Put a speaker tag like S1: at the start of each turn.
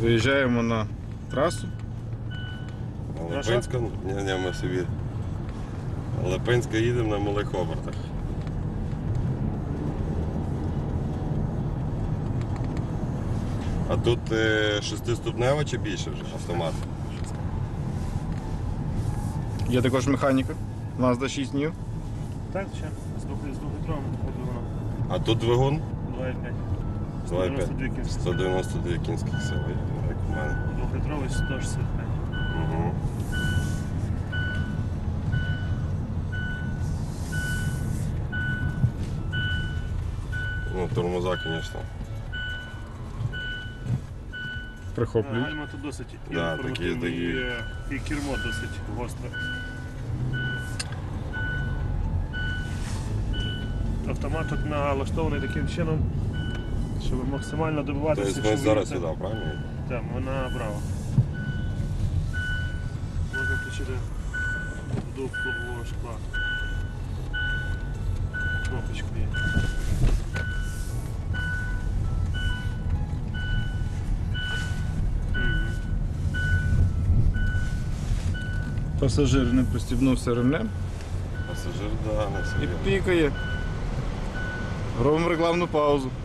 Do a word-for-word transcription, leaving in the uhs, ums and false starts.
S1: Виїжджаємо на трасу.
S2: Липинська, ні, ні, ми собі. Липинська їдемо на малих обертах. А тут е, шестиступнева чи більше вже автомат?
S1: Є також механіка. Mazda шість днів.
S3: Так, ще з двохлітровим двигуном.
S2: А тут двигун?
S3: два і п'ять.
S2: два і п'ять.
S3: сто дев'яносто дві кінські.
S2: сто дев'яносто дві кінських сили, як у мене.
S3: Двохлітровий сто шістдесят п'ять.
S2: Угу. Ну, тормоза, звісно.
S1: Прихоплюють.
S3: Гальма тут досить
S2: Да,
S3: інформативний,
S2: такі-
S3: і, і кермо досить гостре. Автомат тут налаштований таким чином, щоб максимально добиватися.
S2: Тобто ми
S3: щоб
S2: зараз
S3: їхати.
S2: сюди, правильно?
S3: Так, ми направо. Можна включити вдув лобового шкла. Кнопочку є.
S1: Пасажир не пристібнувся ремнем
S2: Пасажир, да, на
S1: і
S2: собі.
S1: пікає. Робимо рекламну паузу.